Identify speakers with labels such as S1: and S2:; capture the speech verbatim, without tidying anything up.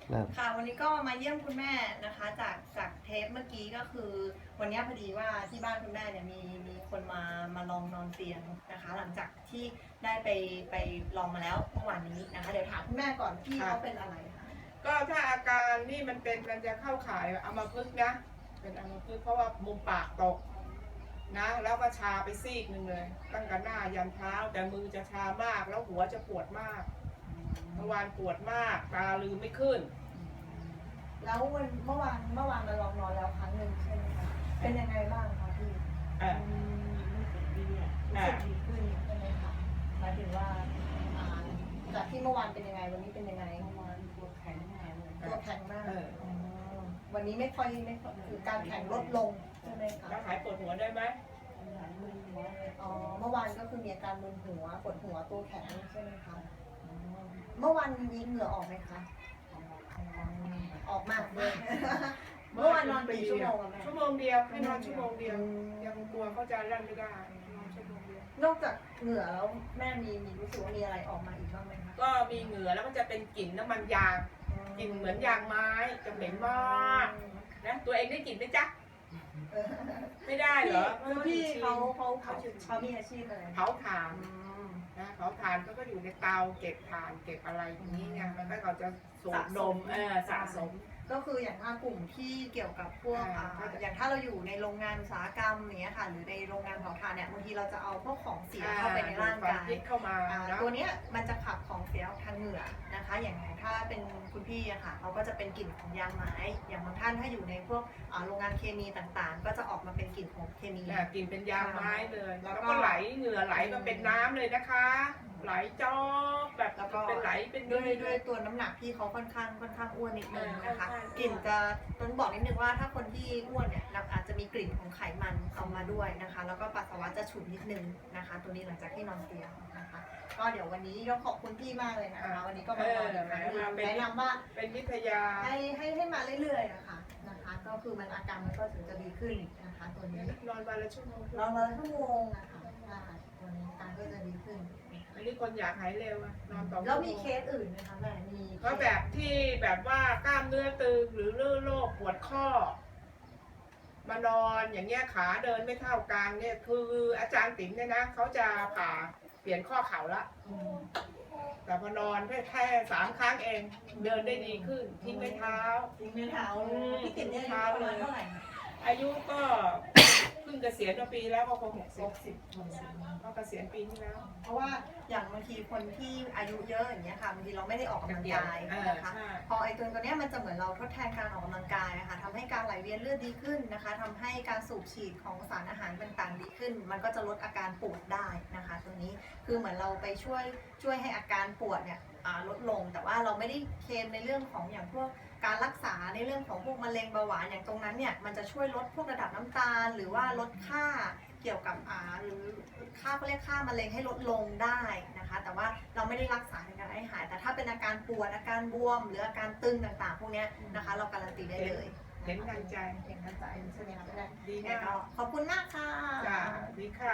S1: ค่ะวันนี้ก็มาเยี่ยมคุณแม่นะคะจากจากเทปเมื่อกี้ก็คือวันนี้พอดีว่าที่บ้านคุณแม่เนี่ยมีมีคนมามาลองนอนเตียงนะคะ หลังจากที่ได้ไปไปลองมาแล้วเมื่อวานนี้นะคะเดี๋ยวถามคุณแม่ก่อนที่เขาเป็นอะไรคะ
S2: ก็ถ้าอาการนี่มันเป็นมันจะเข้าข่ายอัมพฤกษ์นะเป็นอัมพฤกษ์เพราะว่ามุมปากตกนะแล้วก็ชาไปซีกหนึ่งเลยตั้งแต่หน้ายันเท้าแต่มือจะชามากแล้วหัวจะปวดมากเมื่อวานปวดมากตาลืมไม่ขึ้น
S1: แล้ววันเมื่อวานเมื่อวานมาลองนอนแล้วครั้งหนึ่งใช่ไหมคะเป็นยังไงบ้างคะพี่
S2: อ่า
S1: รู้สึกดีอ่ะรู้สึกดีขึ้นใช่ไหมคะหมายถึงว่าจากที่เมื่อวานเป็นยังไงวันนี้เป็นยังไงเมื่อวานตัวแข็งมากตัวแข็งมากวันนี้ไม่ค่อยไม่ค่อยคือการแข็งลดลงใช่ไหมคะ
S2: แล้วหายปวดหัวได้ไหม
S1: อ๋อเมื่อวานก็คือมีอาการมึนหัวปวดหัวตัวแข็งใช่ไหมคะเมื่อวานมีเหงื่อออกไหมคะออกมากเลยเมื่อวานนอนกี่ชั่วโมงอะแม่
S2: ชั่วโมงเดียวให้นอนชั่วโมงเดียวยังกลัวเขาจะรั่นไม่ได้นอนชั่วโมงเดียวน
S1: อกจากเหงื่อแล้วแม่มีมีรู้สึกว่ามีอะไรออกมาอีกบ้างไหมคะ
S2: ก็มีเหงื่อแล้วมันจะเป็นกลิ่นน้ำมันยางกลิ่นเหมือนยางไม้จะเหม็นมากนะตัวเองได้กลิ่นไหมจ๊ะไม่ได้เหรอ
S1: คือพี่เขาเขาเขาเขามีอาชีพอะไร
S2: เผาถ่านนะเผาถ่านก็ก็อยู่ในเตาเก็บถ่านเก็บอะไรอย่างนี้ไงมันก็เขาจะสูดดมเออสะสม
S1: ก็คืออย่างถ้ากลุ่มที่เกี่ยวกับพวกอย่างถ้าเราอยู่ในโรงงานอุตสาหกรรมอย่างเงี้ยค่ะหรือในโรงงานเผาถ่านเนี่ยบางทีเราจะเอาพวกของเสียเข้าไปในร่างกาย
S2: เข้ามา
S1: ตัวเนี้ยมันจะขับของเสียทางเหงื่อนะคะอย่างถ้าเป็นคุณพี่อะค่ะเขาก็จะเป็นกลิ่นของยางไม้อย่างบางท่านถ้าอยู่ในพวกโรงงานเคมีต่างๆก็จะออกมาเป็นกลิ่นของเคมี
S2: กลิ่นเป็นยางไม้เลยแล้วก็ไหลเหงื่อไหลมาเป็นน้ำเลยนะคะไหลจอกแบบแล้วก็เป็นไหลเป็น
S1: ด้วยด้วยตัวน้ำหนักที่เขาค่อนข้างค่อนข้างอ้วนนิดนึงนะคะกลิ่นจะต้องบอกนิดนึงว่าถ้าคนที่อ้วนเนี่ยอาจจะมีกลิ่นของไขมันออกมาด้วยนะคะแล้วก็ปัสสาวะจะฉุนนิดนึงนะคะตัวนี้หลังจากที่นอนเตียงนะคะก็เดี๋ยววันนี้ต้องขอบคุณพี่มากเลยนะคะวันนี้ก็มาแนะนำว่า
S2: เป็นวิทยา
S1: ให้ให้ให้มาเรื่อยๆนะคะนะคะก็คือมันอาการมันก็ถึงจะดีขึ้นนะคะตัวนี้
S2: นอนวันละชั่วโมง
S1: นอนวันละชั่วโมงนะคะตัวนี้อาการก็จะดีขึ้น
S2: อันนี้คนอยากหายเร็วอะนอนต่อ
S1: แล้วมีเคสอื่นไหมคะแม่มี
S2: ก็แบบที่แบบว่ากล้ามเนื้อตึงหรือโรคปวดข้อมานอนอย่างเงี้ยขาเดินไม่เท่ากันเนี่ยคืออาจารย์ติ๋มเนี่ยนะเขาจะผ่าเปลี่ยนข้อเข่าละแต่พอนอนแค่แค่สามครั้งเองเดินได้ดีขึ้นทิ้งไม่เท้า
S1: ทิ้งไม่เท้าพี่ติ๋มเนี่ยเท้าเลยเท่าไหร่
S2: อายุก็เพิ่งเกษียณมาปีแล้วก็คงหกสิบสิบก็เกษียณปีที่แล้ว
S1: เพราะว่าอย่างบางทีคนที่อายุเยอะอย่างเงี้ยค่ะบางทีเราไม่ได้ออกกำลังกายนะคะพอไอ้ตัวตัวนี้มันจะเหมือนเราทดแทนการออกกำลังกายนะคะทำให้การไหลเวียนเลือดดีขึ้นนะคะทำให้การสูบฉีดของสารอาหารต่างๆดีขึ้นมันก็จะลดอาการปวดได้นะคะตัวนี้คือเหมือนเราไปช่วยช่วยให้อาการปวดเนี่ยลดลงแต่ว่าเราไม่ได้เคลมในเรื่องของอย่างพวกการรักษาในเรื่องของพวกมะเร็งเบาหวานอย่างตรงนั้นเนี่ยมันจะช่วยลดพวกระดับน้ำตาลหรือว่าลดค่าเกี่ยวกับอ่าหรือค่าเขาเรียกค่ามะเร็งให้ลดลงได้นะคะแต่ว่าเราไม่ได้รักษาในการให้หายแต่ถ้าเป็นอาการปวดอาการบวมหรืออาการตึงต่างๆพวกนี้นะคะเราการันตีได้เลย
S2: เห็นทันใจ
S1: เห็นทันใจใช่ไหมคะ
S2: ดีมาก
S1: ขอบคุณมากค่ะ
S2: จ้าดีค่ะ